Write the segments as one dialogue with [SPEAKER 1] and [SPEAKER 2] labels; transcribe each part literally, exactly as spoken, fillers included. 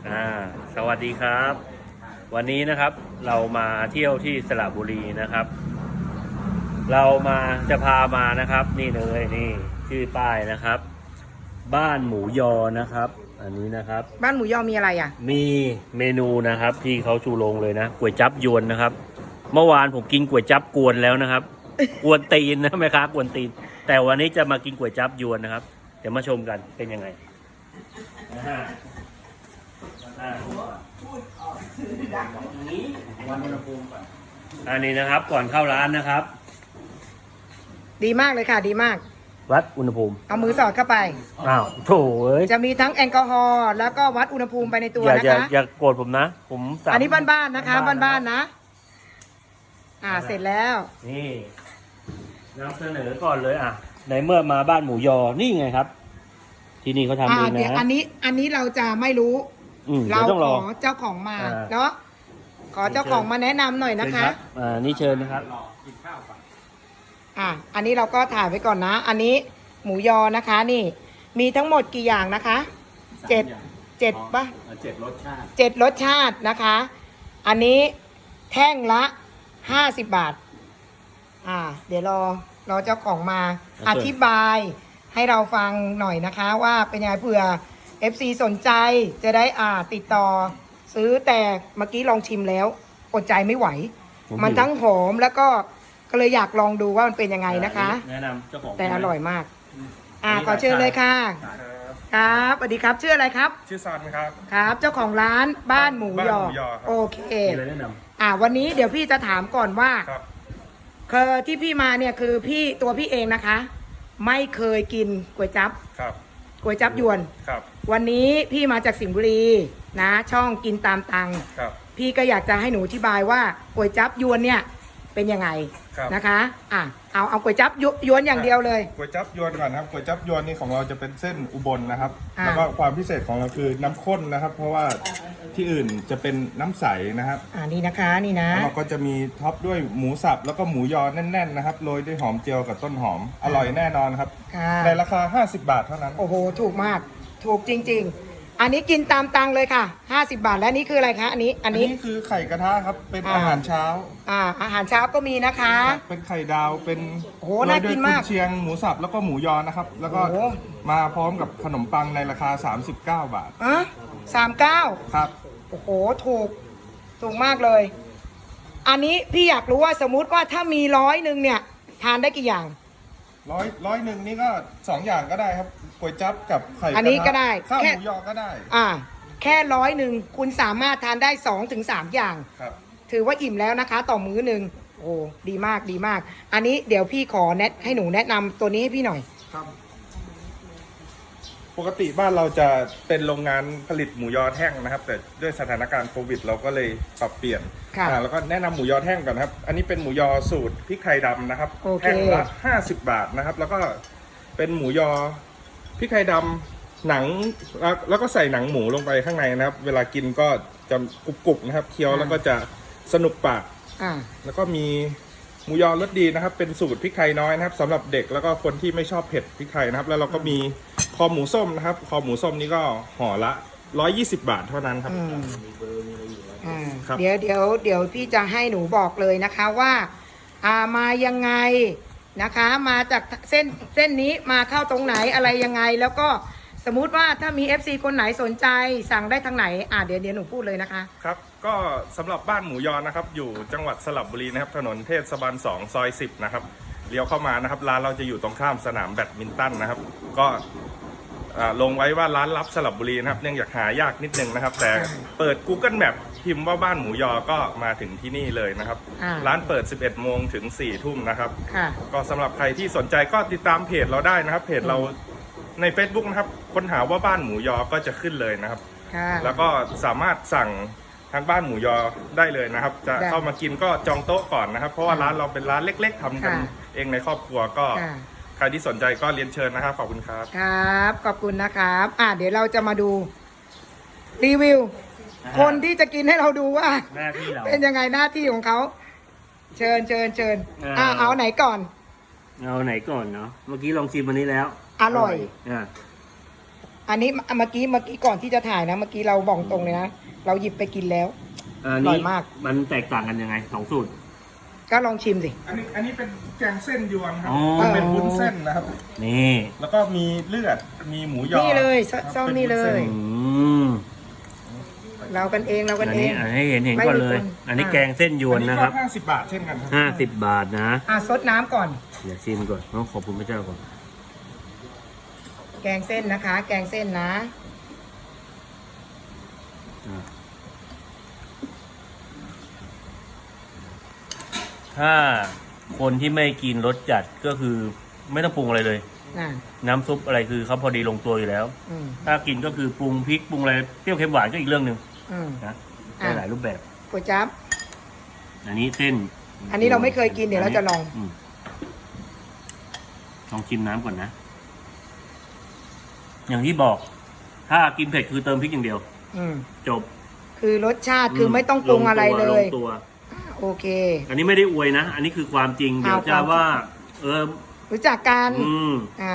[SPEAKER 1] อ่าสวัสดีครับ วันนี้นะครับเรามาเที่ยวที่สระบุรีนะครับ เรามาจะพามานะครับนี่เลยนี่ชื่อป้ายนะครับ บ้านหมูยอนะครับ อันนี้นะครับ
[SPEAKER 2] บ้านหมูยอมีอะไรอ่ะ
[SPEAKER 1] มีเมนูนะครับที่เขาชูโรงเลยนะก๋วยจั๊บยวนนะครับ เมื่อวานผมกินก๋วยจั๊บกวนแล้วนะครับ กวนตีนนะแม่ค้ากวนตีน แต่วันนี้จะมากินก๋วยจั๊บยวนนะครับเดี๋ยวมาชมกันเป็นยังไงนะฮะอันนี้นะครับก่อนเข้าร้านนะครับ
[SPEAKER 2] ดีมากเลยค่ะดีมาก
[SPEAKER 1] วัดอุณหภูมิ
[SPEAKER 2] เอามือสอดเข้าไป
[SPEAKER 1] อ้าวโถเอ้ย
[SPEAKER 2] จะมีทั้งแอลกอฮอล์แล้วก็วัดอุณหภูมิไปในตัวนะคะ
[SPEAKER 1] อย่าอย่าโกรธผมนะผม
[SPEAKER 2] อันนี้บ้านๆนะคะบ้านๆนะอ่าเสร็จแล้ว
[SPEAKER 1] นี่นำเสนอก่อนเลยอ่ะในเมื่อมาบ้านหมูยอนี่ไงครับที่นี่เขาทำเองนะ
[SPEAKER 2] อันนี้อันนี้เราจะไม่รู้เราขอเจ้าของมาเนาะขอเจ้าของมาแนะนำหน่อยนะคะ
[SPEAKER 1] อ่านี่เชิญนะครับ
[SPEAKER 2] อ่ะอันนี้เราก็ถ่ายไว้ก่อนนะอันนี้หมูยอนะคะนี่มีทั้งหมดกี่อย่างนะคะเจ็ดเจ็ดป่ะ
[SPEAKER 1] เจ็ดรสชาติ
[SPEAKER 2] เจ็ดรสชาตินะคะอันนี้แท่งละห้าสิบบาทอ่าเดี๋ยวรอรอเจ้าของมาอธิบายให้เราฟังหน่อยนะคะว่าเป็นยังไงเผื่อ เอฟ ซี สนใจจะได้อ่าติดต่อซื้อแต่เมื่อกี้ลองชิมแล้วอดใจไม่ไหวมันทั้งหอมแล้วก็ก็เลยอยากลองดูว่ามันเป็นยังไงนะคะ
[SPEAKER 1] แนะนำเจ้าของ
[SPEAKER 2] แต่อร่อยมากอ่าขอเชิญเลยค่ะครับสวัสดีครับชื่ออะไรครับ
[SPEAKER 3] ชื่อซอนครับ
[SPEAKER 2] ครับเจ้าของร้านบ้านหมูยอโอเคอ่าวันนี้เดี๋ยวพี่จะถามก่อนว่าคือที่พี่มาเนี่ยคือพี่ตัวพี่เองนะคะไม่เคยกินก๋วยจั๊บ
[SPEAKER 3] ครับ
[SPEAKER 2] ก๋วยจั๊บยวน
[SPEAKER 3] ครับ
[SPEAKER 2] วันนี้พี่มาจากสิงห์บุรีนะช่องกินตามตัง
[SPEAKER 3] ครับ
[SPEAKER 2] พี่ก็อยากจะให้หนูอธิบายว่าก๋วยจั๊บยวนเนี่ยเป็นยังไงนะคะอ่ะเอาเอาก๋วยจั๊บยวนอย่างเดียวเลย
[SPEAKER 3] ก๋วยจั๊บยวนก่อนครับก๋วยจั๊บยวนนี่ของเราจะเป็นเส้นอุบลนะครับแล้วก็ความพิเศษของเราคือน้ำข้นนะครับเพราะว่าที่อื่นจะเป็นน้ำใสนะครับ
[SPEAKER 2] อ่านี่นะคะนี่นะ
[SPEAKER 3] แล้วเราก็จะมีท็อปด้วยหมูสับแล้วก็หมูยอแน่นๆนะครับโรยด้วยหอมเจียวกับต้นหอมอร่อยแน่นอนครับในราคาห้าสิบบาทเท่านั้น
[SPEAKER 2] โอ้โหถูกมากถูกจริงๆอันนี้กินตามตังเลยค่ะห้าสิบบาทและนี่คืออะไรคะอันนี้
[SPEAKER 3] อันนี้อันนี้คือไข่กระทะครับเป็นอาหารเช้า
[SPEAKER 2] อ่าอาหารเช้าก็มีนะคะ
[SPEAKER 3] เป็นไข่ดาวเป็น
[SPEAKER 2] โอ้โหน่ากินมาก
[SPEAKER 3] เชียงหมูสับแล้วก็หมูยอนะครับแล้วก็มาพร้อมกับขนมปังในราคาสามสิบเก้าบาท
[SPEAKER 2] อ่ะสามสิบเก้า
[SPEAKER 3] ครับ
[SPEAKER 2] โอ้โหถูกถูกมากเลยอันนี้พี่อยากรู้ว่าสมมุติว่าถ้ามีร้อยหนึ่งเนี่ยทานได้กี่อย่าง
[SPEAKER 3] ร้อยร้อยหนึ่งนี่ก็สองอย่างก็ได้ครับก๋วยจั๊บกับไข่
[SPEAKER 2] อันนี้ก็ได้
[SPEAKER 3] ข้าวหมูยอก็ได้
[SPEAKER 2] อ่าแค่ร้อยหนึ่งคุณสามารถทานได้สองถึงสามอย่าง
[SPEAKER 3] ครับ
[SPEAKER 2] ถือว่าอิ่มแล้วนะคะต่อมื้อหนึ่งโอ้ดีมากดีมากอันนี้เดี๋ยวพี่ขอแนะให้หนูแนะนำตัวนี้ให้พี่หน่อย
[SPEAKER 3] ครับปกติบ้านเราจะเป็นโรงงานผลิตหมูยอแท่งนะครับแต่ด้วยสถานการณ์โควิดเราก็เลยปรับเปลี่ยนอ่าแล้วก็แนะนำหมูยอแท่งก่อนครับอันนี้เป็นหมูยอสูตรพริกไทยดำนะครับแท่งละห้าสิบบาทนะครับแล้วก็เป็นหมูยอพริกไทยดำหนังแล้วก็ใส่หนังหมูลงไปข้างในนะครับเวลากินก็จะกรุบๆนะครับเคี้ยวแล้วก็จะสนุกปากแล้วก็มีหมูยอรสดีนะครับเป็นสูตรพริกไทยน้อยนะครับสำหรับเด็กแล้วก็คนที่ไม่ชอบเผ็ดพริกไทยนะครับแล้วเราก็มีคอหมูส้มนะครับคอหมูส้มนี่ก็ห่อละร้อยยี่สิบบาทเท่านั้นครับ
[SPEAKER 2] เดี๋ยวเดี๋ยวเดี๋ยวพี่จะให้หนูบอกเลยนะคะว่าอ่ามายังไงนะคะมาจากเส้นเส้นนี้มาเข้าตรงไหนอะไรยังไงแล้วก็สมมุติว่าถ้ามี เอฟ ซี คนไหนสนใจสั่งได้ทางไหนอ่าเดี๋ยวเดี๋ยวหนูพูดเลยนะคะ
[SPEAKER 3] ครับก็สำหรับบ้านหมูยอนะครับอยู่จังหวัดสระบุรีนะครับถนนเทศบาลสองซอยสิบนะครับเลี้ยวเข้ามานะครับร้านเราจะอยู่ตรงข้ามสนามแบดมินตันนะครับก็ลงไว้ว่าร้านลับสระบุรีนะครับเนื่องจากหายากนิดนึงนะครับแต่เปิด Google Map พิมพ์ว่าบ้านหมูยอก็มาถึงที่นี่เลยนะครับร้านเปิดสิบเอ็ดโมงถึงสี่ทุ่มนะครับก็สำหรับใครที่สนใจก็ติดตามเพจเราได้นะครับเพจเราใน Facebook นะครับค้นหาว่าบ้านหมูยอก็จะขึ้นเลยนะครับแล้วก็สามารถสั่งทางบ้านหมูยอได้เลยนะครับจะเข้ามากินก็จองโต๊ะก่อนนะครับเพราะว่าร้านเราเป็นร้านเล็กๆทำกันเองในครอบครัวก็ใครที่สนใจก็เรียนเชิญนะครับขอบคุณครับ
[SPEAKER 2] ครับขอบคุณนะครับอ่าเดี๋ยวเราจะมาดูรีวิวคนที่จะกินให้เราดูว่าเป็นยังไงหน้าที่ของเขาเชิญเชิญเชิญอ่าเอาไหนก่อน
[SPEAKER 1] เอาไหนก่อนเนาะเมื่อกี้ลองชิมวันนี้แล้ว
[SPEAKER 2] อร่อย
[SPEAKER 1] อ่า
[SPEAKER 2] อันนี้เมื่อกี้เมื่อกี้ก่อนที่จะถ่ายนะ เมื่อกี้เราบอกตรงเลยนะ เราหยิบไปกินแล้ว
[SPEAKER 1] อัน
[SPEAKER 2] อร่
[SPEAKER 1] นี้
[SPEAKER 2] อยมาก
[SPEAKER 1] มันแตกต่างกันยังไงสองสูตร
[SPEAKER 2] ก็ลองชิมสิ
[SPEAKER 3] อันนี้อันนี้เป็นแกงเส้นยวนครับ
[SPEAKER 1] อ๋อ
[SPEAKER 3] มันเป็นวุ้นเส้นนะครับ
[SPEAKER 1] นี่
[SPEAKER 3] แล้วก็มีเลือดมีหมูยอ
[SPEAKER 2] นี่เลย
[SPEAKER 3] ครับ
[SPEAKER 2] ซ่อม
[SPEAKER 3] ป็
[SPEAKER 2] นี่เลย
[SPEAKER 3] วุ้ส้
[SPEAKER 1] อืม
[SPEAKER 2] เรากันเองเรา
[SPEAKER 1] อั
[SPEAKER 2] กัน
[SPEAKER 1] น
[SPEAKER 2] เอ
[SPEAKER 1] นี้
[SPEAKER 2] ง
[SPEAKER 1] อันให้เห็นเห็น
[SPEAKER 2] ไม่
[SPEAKER 1] ก่อน
[SPEAKER 2] มี
[SPEAKER 1] เลย
[SPEAKER 2] คน
[SPEAKER 1] อันนี้
[SPEAKER 2] อ่า
[SPEAKER 1] แกงเส้นยวนนะครับ
[SPEAKER 3] อัห้าสิบบาทเช่นกันครั
[SPEAKER 1] ห้าสิบบาทนะ
[SPEAKER 2] อ่ะซดน้ำก่อน
[SPEAKER 1] เดี๋ยวชิมก่อนต้องขอบคุณพระเจ้าก่อน
[SPEAKER 2] แกงเส้นนะคะ แกงเส้นนะ
[SPEAKER 1] อ่ะถ้าคนที่ไม่กินรสจัดก็คือไม่ต้องปรุงอะไรเลย
[SPEAKER 2] อ่า
[SPEAKER 1] น้ำซุปอะไรคือเขาพอดีลงตัวอยู่แล้ว
[SPEAKER 2] อืม
[SPEAKER 1] ถ้ากินก็คือปรุงพริกปรุงอะไรเปรี้ยวเค็มหวานก็อีกเรื่องหนึ่ง
[SPEAKER 2] อืม
[SPEAKER 1] นะ
[SPEAKER 2] อ่ะ
[SPEAKER 1] ได้หลายรูปแบบ
[SPEAKER 2] ก๋วยจั๊บ
[SPEAKER 1] อันนี้เส้น
[SPEAKER 2] อันนี้เราไม่เคยกินเดี๋ยวเราจะลอง
[SPEAKER 1] มลองชิมน้ำก่อนนะ อย่างที่บอก ถ้ากินเผ็ดคือเติมพริกอย่างเดียว
[SPEAKER 2] อืม
[SPEAKER 1] จบ
[SPEAKER 2] คือรสชาติคือไม่ต้องปรุงอะไรเล
[SPEAKER 1] ล
[SPEAKER 2] ย
[SPEAKER 1] งตัว
[SPEAKER 2] โอเค
[SPEAKER 1] อันนี้ไม่ได้อวยนะ อันนี้คือความจริง เดี๋ยว
[SPEAKER 2] เอา
[SPEAKER 1] จะ
[SPEAKER 2] ความ
[SPEAKER 1] ว่า เออ
[SPEAKER 2] รู้จักกัน
[SPEAKER 1] อืม
[SPEAKER 2] อ่า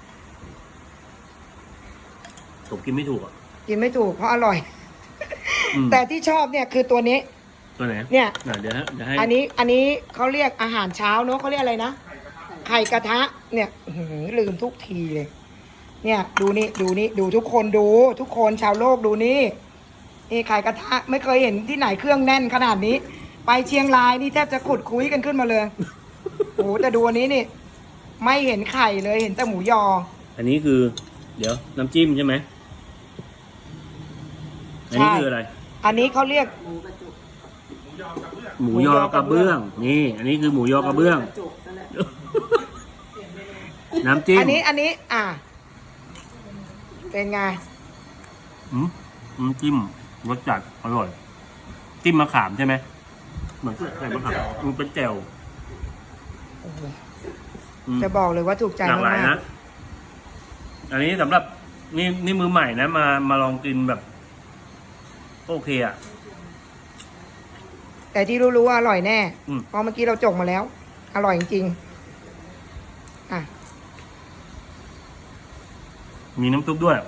[SPEAKER 1] ผมกินไม่ถูกอ่ะ
[SPEAKER 2] กินไม่ถูกเพราะอร่อย
[SPEAKER 1] อืม
[SPEAKER 2] แต่ที่ชอบเนี่ยคือตัวนี้
[SPEAKER 1] ตัวไหน
[SPEAKER 2] เนี่ย
[SPEAKER 1] อ่ะเดี๋ยวนะเดี๋ยวให้
[SPEAKER 2] อันนี้อันนี้เขาเรียกอาหารเช้าเนอะเขาเรียกอะไรนะ ไข่กระทะ เนี่ยอื้อหือลืมทุกทีเลย เนี่ย ดูนี่ดูนี่ดูทุกคนดู ทุกคนชาวโลกดูนี่นี่ไข่กระทะไม่เคยเห็นที่ไหนเครื่องแน่นขนาดนี้ ไปเชียงรายนี่แทบจะขุดคุยกันขึ้นมาเลย โอ้โหแต่ดูอันนี้นี่ ไม่เห็นไข่เลยเห็นแต่หมูยอ
[SPEAKER 1] อันนี้คือ เดี๋ยว น้ำจิ้มใช่ไหมอันนี้
[SPEAKER 2] ใช่
[SPEAKER 1] คืออะไร
[SPEAKER 2] อันนี้เขาเรียก
[SPEAKER 1] หมูยอกระเบื้อง นี่ อันนี้คือหมูยอกระเบื้อง น้ำจิ้ม
[SPEAKER 2] อันนี้อันนี้ อ่ะเป็นไง
[SPEAKER 1] อืมน้ำจิ้มรสจัดอร่อย จิ้มมะขามใช่ไหมเหมือนใส่มะขามมันเป็นแจ่ว
[SPEAKER 2] โอ้โห
[SPEAKER 1] อืม
[SPEAKER 2] จะบอกเลยว่าถูกใจ
[SPEAKER 1] หลากหลาย
[SPEAKER 2] มาก
[SPEAKER 1] นะ อันนี้สำหรับนี่นี่มือใหม่นะ มามาลองกินแบบก็โอเคอ่ะ
[SPEAKER 2] ๆแต่ที่รู้ๆว่าอร่อยแน่
[SPEAKER 1] อืม
[SPEAKER 2] เพราะเมื่อกี้เราจกมาแล้ว อร่อยจริงๆอ่ะ
[SPEAKER 1] มีน้ำซุปด้วย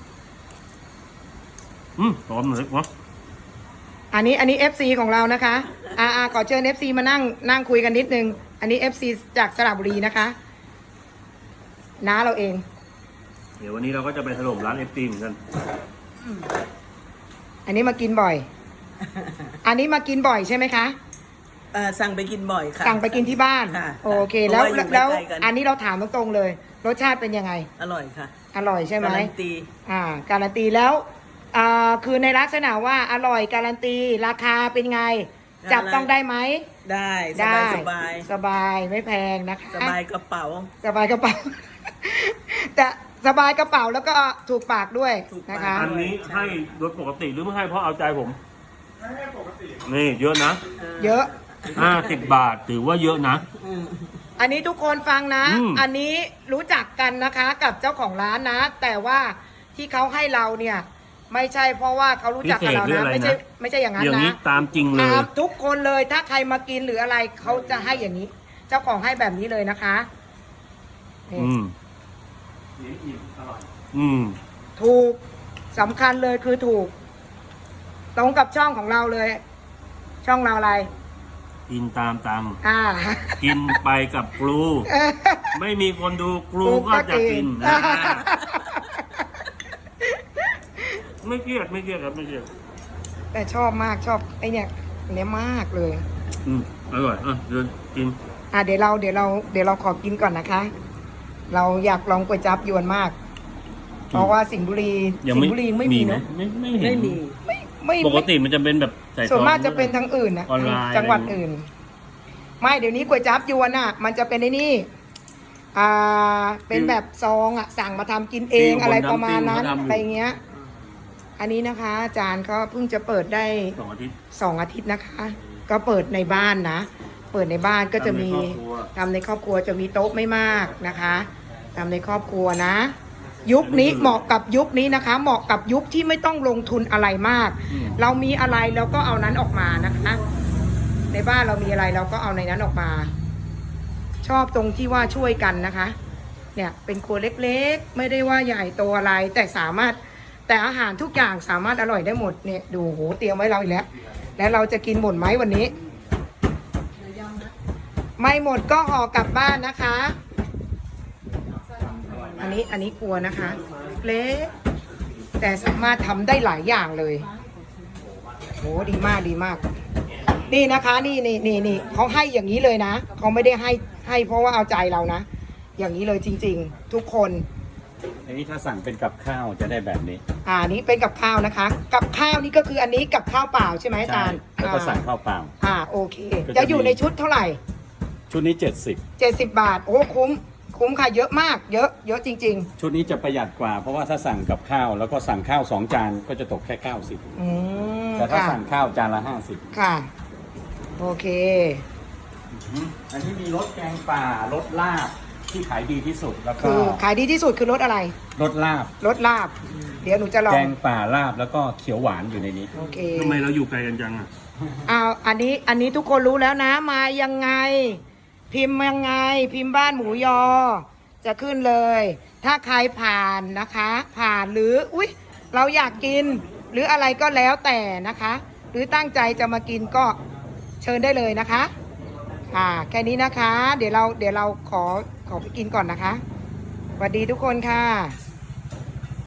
[SPEAKER 1] อืมหอมเลยวะ
[SPEAKER 2] อันนี้อันนี้ เอฟ ซี ของเรานะคะอ่าอ่าขอเชิญ เอฟ ซี มานั่งนั่งคุยกันนิดนึง อันนี้ เอฟ ซี จากสระบุรีนะคะน้าเราเอง
[SPEAKER 1] เดี๋ยววันนี้เราก็จะไปถล่มร้านเอฟตีเหมือนกัน
[SPEAKER 2] อันนี้มากินบ่อย อันนี้มากินบ่อยใช่ไหมคะ
[SPEAKER 4] เอ่อสั่งไปกินบ่อยค่ะ
[SPEAKER 2] สั่งไปกินที่บ้าน
[SPEAKER 4] ค่ะ
[SPEAKER 2] โอเค แล้ว
[SPEAKER 4] เพราะว่าอยู่
[SPEAKER 2] แล้ว
[SPEAKER 4] ใกล้ๆกัน
[SPEAKER 2] อันนี้เราถามตรงๆเลย รสชาติเป็นยังไง
[SPEAKER 4] อร่อยค่ะ
[SPEAKER 2] อร่อยใช่ไหม
[SPEAKER 4] การันตี
[SPEAKER 2] อ่า การันตีแล้ว อ่า คือในลักษณะว่าอร่อยการันตี ราคาเป็นไง จับต้องได้ไหม
[SPEAKER 4] ได้ส
[SPEAKER 2] ได้
[SPEAKER 4] บายสบาย
[SPEAKER 2] สบายไม่แพงนะคะ
[SPEAKER 4] สบายกระเป๋า
[SPEAKER 2] สบายกระเป๋า แต่สบายกระเป๋าแล้วก็ถูกปากด้วย
[SPEAKER 4] ถูกปาก
[SPEAKER 2] นะคะ
[SPEAKER 1] อันนี้ให้โดยปกติหรือไม่ให้เพราะเอาใจผม นี่เยอะนะ
[SPEAKER 2] เยอะ
[SPEAKER 1] ห้าสิบบาทถือว่าเยอะนะ
[SPEAKER 4] อืม
[SPEAKER 2] อันนี้ทุกคนฟังนะ
[SPEAKER 1] อืม
[SPEAKER 2] อันนี้รู้จักกันนะคะกับเจ้าของร้านนะ แต่ว่าที่เขาให้เราเนี่ย ไม่ใช่เพราะว่าเขารู้จักกับเรา
[SPEAKER 1] พิเศษหรือ
[SPEAKER 2] นะ
[SPEAKER 1] อะไร
[SPEAKER 2] ไม่ใช่
[SPEAKER 1] นะ
[SPEAKER 2] ไม่ใช่อย่างนั้น
[SPEAKER 1] อย่างนี้
[SPEAKER 2] นะ
[SPEAKER 1] ตามจริงเลย
[SPEAKER 2] ตามทุกคนเลยถ้าใครมากินหรืออะไรเขาจะให้อย่างนี้ เจ้าของให้แบบนี้เลยนะคะนี่
[SPEAKER 1] อืม อืม
[SPEAKER 2] ถูกสำคัญเลยคือถูก ตรงกับช่องของเราเลย ช่องเราอะไร
[SPEAKER 1] กินตามตังค์
[SPEAKER 2] อ่า
[SPEAKER 1] กินไปกับครู ไม่มีคนดูครูก็จะกินนะ ไม่เครียดไม่เครียดครับไม่เครียด
[SPEAKER 2] แต่ชอบมากชอบไอเนี่ยอันเนี้ยมากเลย
[SPEAKER 1] อืมอร่อยอ่ะเดินกิน
[SPEAKER 2] อ่ะเดี๋ยวเราเดี๋ยวเราเดี๋ยวเราขอกินก่อนนะคะ เราอยากลองก๋วยจั๊บยวนมาก เพราะว่าสิงห์บุรี
[SPEAKER 1] ยัง
[SPEAKER 2] สิง
[SPEAKER 1] ไม่
[SPEAKER 2] ห์บุรีไม่มี
[SPEAKER 1] ไหม
[SPEAKER 2] เนาะ
[SPEAKER 1] ไม่ไม่เห็น
[SPEAKER 4] ไม่มี
[SPEAKER 2] ไม่ไม่
[SPEAKER 1] ปกติมันจะเป็นแบบใส่
[SPEAKER 2] ส่วนมาก
[SPEAKER 1] ซอง
[SPEAKER 2] จะเป็นทางอื่นนะ
[SPEAKER 1] ออนไลน์
[SPEAKER 2] จังหวัดอื่น ไม่เดี๋ยวนี้ก๋วยจั๊บยวนอ่ะ มันจะเป็นในนี่อ่าเป็นแบบซองอ่ะ สั่งมาทำกินเองอะไรประมาณนั้นอะไรเงี้ย อันนี้นะคะอาจารย์ก็เพิ่งจะเปิดได้
[SPEAKER 1] สองอาทิตย์
[SPEAKER 2] สองอาทิตย์นะคะ ก็เปิดในบ้านนะ เปิดในบ้านก็จะมี
[SPEAKER 1] ทำในครอบครัว
[SPEAKER 2] ทำในครอบครัวจะมีโต๊ะไม่มากนะคะทำในครอบครัวนะ ยุคนี้เหมาะกับยุคนี้นะคะ เหมาะกับยุคที่ไม่ต้องลงทุนอะไรมาก
[SPEAKER 1] อืม
[SPEAKER 2] เรามีอะไรเราก็เอานั้นออกมานะคะ ในบ้านเรามีอะไรเราก็เอาในนั้นออกมา ชอบตรงที่ว่าช่วยกันนะคะเนี่ยเป็นครัวเล็กๆ ไม่ได้ว่าใหญ่โตอะไร แต่สามารถแต่อาหารทุกอย่างสามารถอร่อยได้หมดเนี่ยดูโหเตรียมไว้เราอีกแล้ว แล้วเราจะกินหมดไหมวันนี้ ไม่หมดก็ห่อกลับบ้านนะคะ อันนี้อันนี้กลัวนะคะเล็กแต่สามารถทำได้หลายอย่างเลยโหดีมากดีมาก นี่นะคะนี่นี่นี่นี่เขาให้อย่างนี้เลยนะเขาไม่ได้ให้ให้เพราะว่าเอาใจเรานะ อย่างนี้เลยจริงๆ ทุกคน
[SPEAKER 5] อันนี้ถ้าสั่งเป็นกับข้าวจะได้แบบนี้
[SPEAKER 2] อ่านี้เป็นกับข้าวนะคะ กับข้าวนี่ก็คืออันนี้กับข้าวเปล่าใช่ไหมอาจารย์
[SPEAKER 5] แล้วก็สั่งข้าวเปล่า
[SPEAKER 2] อ่าโอเค
[SPEAKER 5] ก็จะ
[SPEAKER 2] จะอยู่ในชุดเท่าไหร่
[SPEAKER 5] ชุดนี้เจ็ดสิบ
[SPEAKER 2] เจ็ดสิบบาทโอ้คุ้มคุ้มค่ะเยอะมากเยอะเยอะจริง
[SPEAKER 5] ชุดนี้จะประหยัดกว่า เพราะว่าถ้าสั่งกับข้าวแล้วก็สั่งข้าวสองจานก็จะตกแค่เก้าสิบ
[SPEAKER 2] ๆ อืม
[SPEAKER 5] แต่ถ้า
[SPEAKER 2] ค่ะ
[SPEAKER 5] สั่งข้าวจานละห้าสิบ
[SPEAKER 2] ค่ะ โอเค
[SPEAKER 5] อันนี้มีรสแกงป่ารสลาบที่ขายดีที่สุดแล้วก็
[SPEAKER 2] คือขายดีที่สุดคือรสอะไร
[SPEAKER 5] รสลาบ
[SPEAKER 2] รสลาบ เดี๋ยวหนูจะลอ
[SPEAKER 5] แก
[SPEAKER 2] ง
[SPEAKER 5] งป่าลาบแล้วก็เขียวหวานอยู่ในนี้
[SPEAKER 2] โอเค
[SPEAKER 3] ทำไมเราอยู่ไกลกันจังอ่ะ
[SPEAKER 2] เอาอันนี้อันนี้ทุกคนรู้แล้วนะ มายังไง พิมพ์ยังไง พิมพ์บ้านหมูยอ จะขึ้นเลย ถ้าใครผ่านนะคะ ผ่านหรืออุ๊ยเราอยากกิน หรืออะไรก็แล้วแต่นะคะ หรือตั้งใจจะมากินก็เชิญได้เลยนะคะค่ะแค่นี้นะคะ เดี๋ยวเราเดี๋ยวเราขอขอไปกินก่อนนะคะสวัสดีทุกคนค่ะ